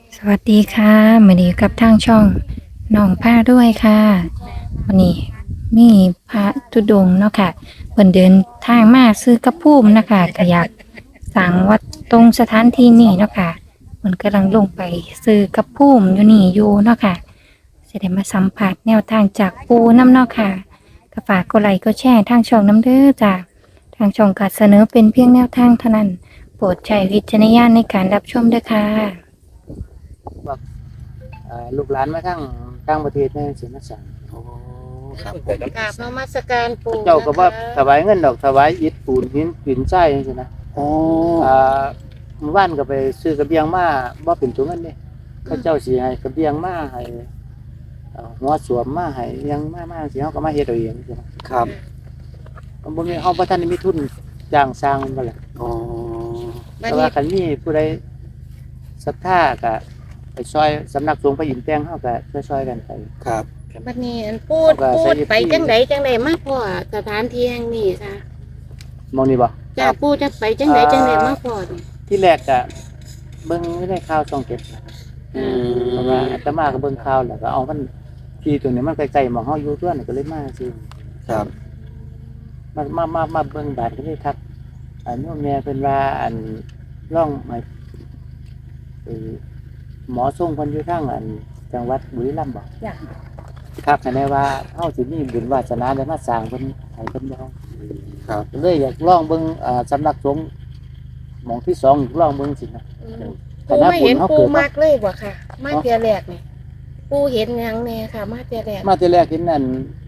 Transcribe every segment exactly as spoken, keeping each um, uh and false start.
สวัสดีค่ะมาดีกับทางช่องน้องผ้าด้วยค่ะวันนี้มีพระธุดงค์เนาะค่ะเพิ่นเดินทางมาซื้อกระพุ่มนะคะก็อยากสั่งวัดตรงสถานที่นี้เนาะค่ะเพิ่นกำลังลงไปซื้อกระพุ่มอยู่นี่อยู่เนาะค่ะจะได้มาสัมผัสแนวทางจากปูน้ำเนาะค่ะก็ฝากกดไลค์กดแชร์ทางช่องน้ำเด้อจ้ะทางช่องก็เสนอเป็นเพียงแนวทางเท่านั้นโปรดใช้วิจารณญาณในการรับชมด้วยค่ะบอกเอ่อลูกหลานมาทั้งต่างประเทศในสิมาสั่งโอ้ครับผมกราบนมัสการปู่เจ้าก็ว่านะคะถวายเงินดอกถวายอิฐปูนหินหินทรายจังซี่นะโอ้อ่าเมื่อวานก็ไปซื้อกระเบียงมาบ่เป็นตัวเงินเด้เขาเจ้าสิให้กระเบียงมาให้เอ่อหัวสวมมาให้อิหยังมามาสิเฮาก็มาเฮ็ดเอาเองจังซี่นะครับ มันบ่มีเฮาบ่ทันได้มีทุนจ้างสร้างมันบ่ล่ะโอ้บัดแต่นี้ว่าคันมีผู้ใดศรัทธาก็ไปช่วยสำนักสงฆ์พระอินทร์แต้งเฮาก็ช่วยๆกันไปครับบัดนี้อันพูดว่าพูใส่ดอีกไปที่จังไดจังไดมาพ่อสถานที่แห่งนี้ค่ะมองนี่บ่จ้าปู่จะไปจังไดจังไดมาพ่อนี่ที่แรกก็เบิ่งในข่าวช่องเจ็ดอืมเพราะว่าอาตมาก็เบิ่งข่าวแล้วก็เอามันที่ตัวนี้มันใกล้ๆหม้องเฮาอยู่ตัวนี่ก็เลยมาซิครับมามามามาเบิ่งบาดก็เลยทักอันโยมแม่เพิ่นว่าอันร่องไม้เอ่อหมอทรงเพิ่นอยู่ทางอันจังหวัดบุรีรัมย์บ่จ้ะครับให้แน่ว่าเฮาสิมีบุญวาสนาได้มาสร้างเพิ่นให้เพิ่นบ่ครับก็เลยอยากลองเบิ่งอ่าสำนักสงฆ์หม้องที่สองลองเบิ่งสินะอืมแต่ปู่ถ้าไม่เห็นบุญเขาปู่เกิดมากเลยบ่ค่ะ มาเที่ยแรกนี่ปู่เห็นหยังแน่ค่ะ มาเที่ยแรกมาแต่แรกเห็นนั่น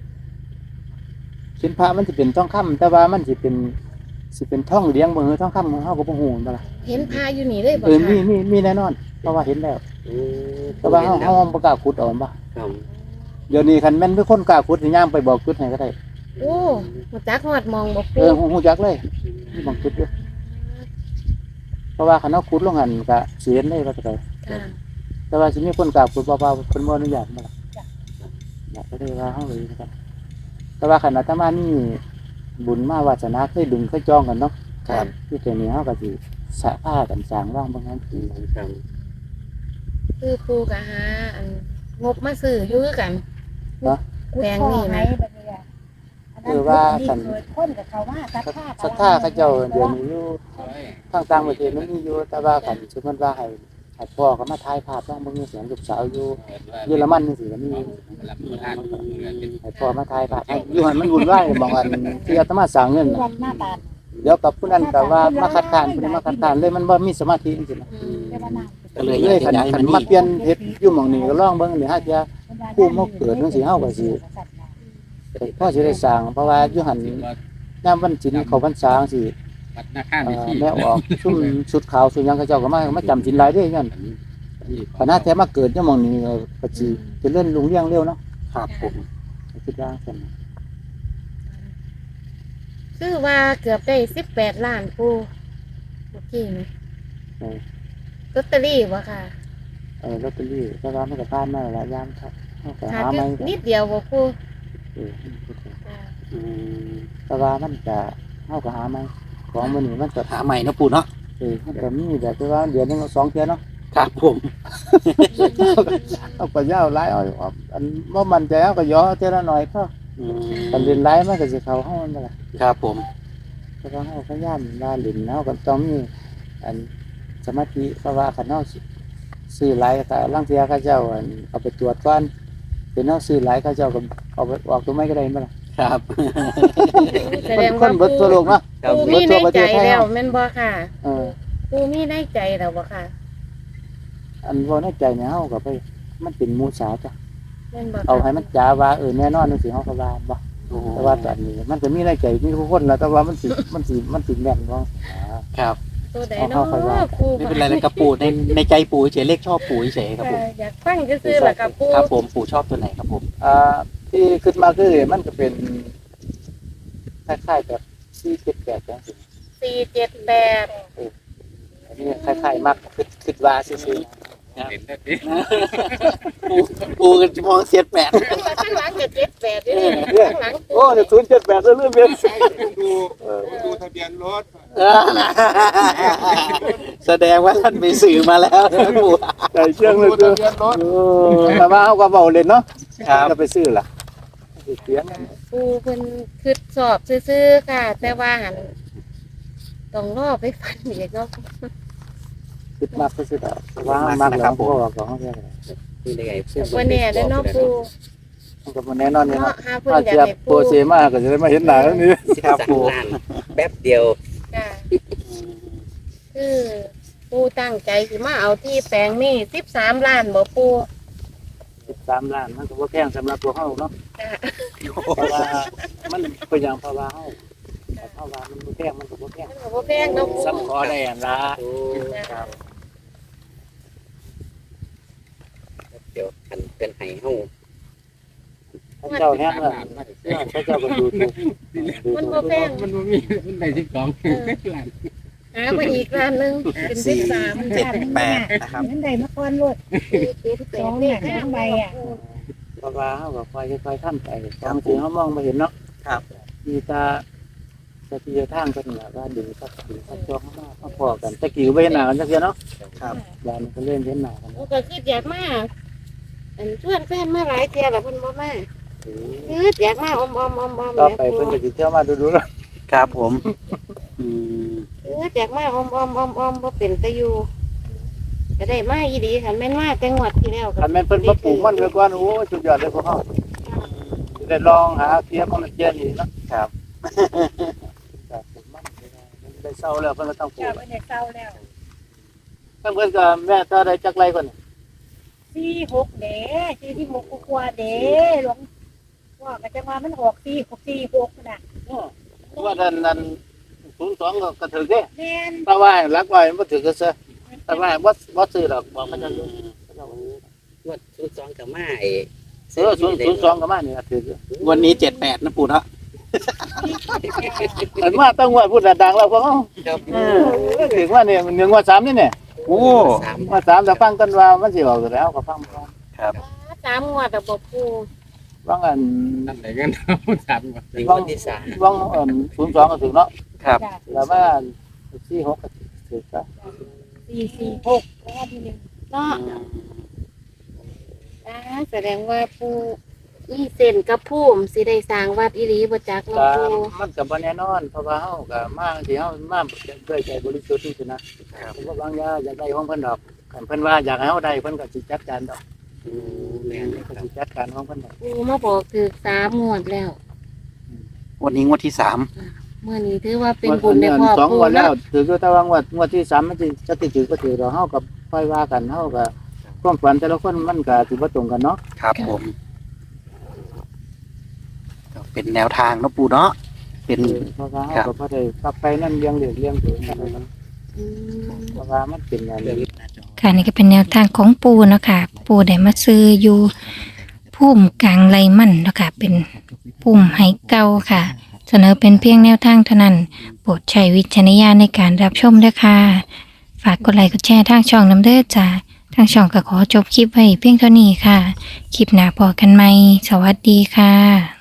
เห็นพระมันสิเป็นทองคำแต่ว่ามันสิเป็นสิเป็นทองเหลืองบ่คือทองคำเฮาก็บ่ฮู้นั่นล่ะเห็นพาอยู่นี่เลยบ่เออมีค่ะมีมีแน่นอนเพราะว่าเห็นแล้วโอ้แต่ว่าเฮาเฮาบ่กล้าขุดเอาบ่ครับเดี๋ยวนี้คันแม่นมีคนกล้าขุดสิย่างไปบอกจุดให้ก็ได้โอ้มาจักฮอดมองบ่เอปู่อฮู้ฮู้จักเลยมีบางจุดอยู่เพราะว่าคันเฮาขุดลงหั่นก็สิเห็นเลยว่าจะไปค่ะแต่ว่าสิมีคนกล้าขุดบ่ว่าเพิ่นบ่อนุญาตบ่ล่ะอยากก็เลยว่าเฮาเลยนะครับแต่ว่าคันอาตมานี่บุญมาวาสนาเคยดึงเคยจองกันเนาะครับที่ตัวนี้เขาก็สิสะผ้ากันสร้างว่างบางนั้นปีครับคือปู่ก็หาอันงบมาซื้ออยู่คือกัน แปลงนี่นะคือว่าสันคนกับเขาว่าสัทธาศรัทธาเขาเจ้าเดี๋ยวนี้อยู่ทางต่างประเทศมันมีอยู่แต่ว่ากันสมมติว่าให้ให้พ่อเขามาถ่ายภาพว่างบางทีเสียงลูกสาวอยู่เยอรมันนี่สิก็มีให้พ่อมาถ่ายภาพให้อยู่หันมันวุ่นวายบางอันที่อาตมาสั่งเงินน่ะวันหน้าตาเดี๋ยวกับผู้นั้นแต่ว่ามาคัดค้านผู้นี้มาคัดค้านเลยมันบ่มีสมาธิจริงๆนะอืมเรียกว่านาก็เลยเลอยาย กคันจะย้ายคัมาน นี่มาเปลี่ยนเฮ็ดอยู่หม่องนี้ก็ลองเบิ่งนี่ฮะจะ ผู้มาเกิดจังสิเฮาก็สิ พ่อสิได้สร้างเพราะว่าอยู่หันยามวันศีลเข้าพรรษาจังซี่วัดหน้าข้างเอ่ในอที่แม่ออกซุ่มชุดขาวสุดหยังเขาเจ้าก็มามาจำศีลหลายเด้ยันคณะแท้มาเกิดจังหม่องนี้ก็สิเจริญรุ่งเรืองเร็วเนาะครับผมคิดว่าซั่นคือว่าเกือบได้สิบแปดล้านปู่โอเคไหมเออลอตเตอรี่บ่ค่ะเออลอตเตอรี่แต่ว่ามันก็ผ่านมาหลายยามครับเฮาก็ขาหาดใหม่นิดเดียวบ่ปู่เออค่ะอืมแต่ว่ามันก็เฮาก็หาใหม่ของมื้อนี้มันก็หาใหม่นะปู่เนาะเออมันก็มีแบบที่ว่าเดือนหนึงสองเทื่อเนาะครับผมเอาก็ยาวหลายเอาเอาอันบ่มั่นใจเอาก็ย่อเทื่อละหน่อยพออืมคันเรียนหลายมันก็สิเข้าเฮานั่นแหละครับผมเพราะว่าเราพยายามลาหลินเนาะก็ต้องมีอันสมาธิเพราะว่าขันเนาซื้อหลายก็ลังเทียเขาเจ้าอันเอาไปตรวจก่อนเป็นเนาซื้อหลายเขาเจ้าก็เอาไปออกตัวไม่ก็ได้มั้ยล่ะครับแสคดนงคว่านเบิดปู่ตัวโลกเนาะครับปู่มีในใจแล้วแม่นบ่ค่ะเออปู่มีในใจแล้วบ่ค่ะอันว่าในใจเนี่ยเฮาก็ไปมันเป็นมูสาจ้ะแม่นบ่ค่ะเอาให้มันจ๋าว่าเออแน่นอนจังซี่เฮาก็ว่าบ่โอ้แต่ว่าตอนนี้มันก็มีในใจมีทุกคนแล้วแต่ว่ามันสิมันสิมันสิแม่นบ่ครับตัวใดเอาเนาะเข้าไปว่าปู่ไม่เป็นไรเลยครับปู่ในในใจปู่เฉยเลขชอบปู่เฉยครับผมเอออยากฟังซื่อๆล่ะครับปู่ครับผมปู่ชอบตัวไหนครับผมอ่าที่ขึ้นมาคือมันก็เป็นคล้ายๆแบบสี่เจ็ดแปดจังซี่สี่เจ็ดแปดอันนี้คล้ายๆมักคิดคิดว่าซื่อๆปูปูกันมองเสียดแปดข้างหลังก็เจ็ดแปดด้วยข้างหลังโอ้เนี่ยศูนย์เจ็ดแปดเรื่องเบียนดูดูทะเบียนรถแสดงว่าท่านมีสื่อมาแล้วนะปูใจเชื่องเลยดูคือทะเบียนรถแต่ว่าเขาก็เบาเล่นเนาะครับจะไปซื้อล่ะเสียงปูเพิ่นคิดสอบซื่อๆค่ะ แต่ว่าหันต้องรอไปฟันอีกเนาะคิดมากก็ซื้อแต่ว่ามากแล้วพ่อของเขาเนี่ยนี่ได้ไงวันนี้ได้เนาะปูมันก็บ่แน่นอนเนี่ยเนาะเนาะหาเพิ่นถ้าอยากเทียบให้โปปูรเซมาก็จะได้มาเห็นหน้าแล้วนี่ครับปูแป๊บเดียวค่ะคือปูตั้งใจสิมาเอาที่แปลงนี่สิบสามล้านบ่ปูสิบสามล้านมันก็บ่แพงสำหรับพวกเขาเนาะจ้ะเพราะว่ามันเป็นอย่างเพราะว่าเฮาเพราะว่ามันบ่แพงมันก็บ่แพงมันก็บ่แพงเนาะปูซ้ำขอได้อันละจ้ะเดี๋ยวคันเป็นไห้เฮาพระเจ้าแห้งแล้วพระเจ้าก็ดูถูกมันบ่แพงมันบ่มีมันได้สิบสองหาไปอีกล้านหนึงเป็นสิบสามเจ็ดแปดนะครับนั่นได้มาก่อนรถเจ็ดแปสดองเลหขนังใบอ่ะเพราะว่าเฮาก็ค่อยๆทำไปบางทีเฮามองบ่เห็นเนาะครับมีตาสติทางกันน่ะว่าดีสักดีสักจองมามาพอกันตะกี้ก็บ่เห็นหน้ากันจักเทื่อเนาะครับยานก็เล่นเห็นหน้ากันปูก็คืออยากมาอันชวนแฟนมาหลายเที่ยแล้วเพิ่นบ่มาคืออยากมาอมๆๆๆต่อไปเพิ่นก็สิเที่ยวมาดูๆเนาะครับผมอืมคืออยากมาอมๆๆๆบ่เป็นตะอยู่ก็ได้มาอีดีค่ะแม่นมาแต่งวดที่แล้วคันแม่นเพิ่นมาปลูกมันไว้ก่อนโอ้สุดยอดเลยพวกเฮาสิได้ลองหาเทียบมันเจียนอีกเนาะครับครับผมมันได้เศร้าแล้วเพิ่นก็ต้องปลูเจ้าก เป็นเด็กเศร้าแล้วเพิ่นเพิ่นก็แม่ถ้าได้จักไรก่อนสี่หกเด้สี่ที่หกกว่าเด้หลวงว่าก็จะมามันออกสี่หกสี่หกน่ะว่านั้นนั้นศูนย์สองก็กระถือเด้แม่นถ้าว่ารักไว้มันบ่ถือก็ซะถ้าว่าบ่บ่ซื้อดอกบอกมันจะรู้งวดศูนย์สองกับมาไอ้เออศูนย์ศูนย์สองก็มานี่ถือวันนี้เจ็ดแปดนะปูเนาะอันมาต้องว่าพูดดังๆแล้วพวกเฮาครับเออถึงว่าเนี่ยหนึ่งว่าสามนี่เนี่ยโอ้สามว่าสามถ้าฟังกันว่ามันสิออกแล้วก็ฟังฟังครับสามงวดอะบ่ปูฟังอันนั่นไหนกันเอาสามก่อนในงวดที่สามฟังอันศูนย์สองก็ถึงเนาะครับแล้วว่าสี่หกก็ถึงก็สี่สี่หกแล้วก็ที่หนึ่งเนาะอ่าแสดงว่าปูมีเส้นกับภูมิสิได้สร้างวัดอีหลีบ่จักก็เนาะปูมันก็บ่แน่นอนเพราะว่าเฮาก็มาที่เฮามาด้วยใจบริสุทธิ์ที่สุดนะผมก็บางอย่างอยากได้ของเพิ่นดอกคันเพิ่นว่าอยากให้เฮาได้เพิ่นก็สิจัดการดอกอืมแม่นก็สิจัดการของเพิ่นดอกปูมาบอกถึกสามงวดแล้ววันนี้งวดที่สามเมื่อนี้ถือว่าเป็นบุญในครอบสองครังววดแล้เนาะวถือว่าแต่ว่างวดงวดที่สามมันสิจะติดถือก็ถือดอกเฮาก็ค่อยว่ากันเฮาก็ความฝันแต่ละคนมันก็สิบ่ตรงกันเนาะครับผมก็เป็นแนวทางนะปูเนาะเป็นเพราะว่าครัเฮาบก็บ่ได้กลับไปนั่นเลี้ยงเลี้ยงเลี้ยงตัวนั่นเนาะอืมเพราะว่ามันเป็นอันนี้ค่ะนี่ก็เป็นแนวทางของปูเนาะค่ะปูได้มาซื้ออยู่พุ่มกลางไรมันเนาะค่ะเป็นพุ่มไหเก่าค่ะ เสนอเป็นเพียงแนวทางเท่านั้น โปรดใช้วิจารณญาณในการรับชมด้วยค่ะ ฝากกดไลค์กดแชร์ทางช่องน้ำเด้อจ้าทางช่องก็ขอจบคลิปไว้เพียงเท่านี้ค่ะ คลิปหน้าพอกันไหมสวัสดีค่ะ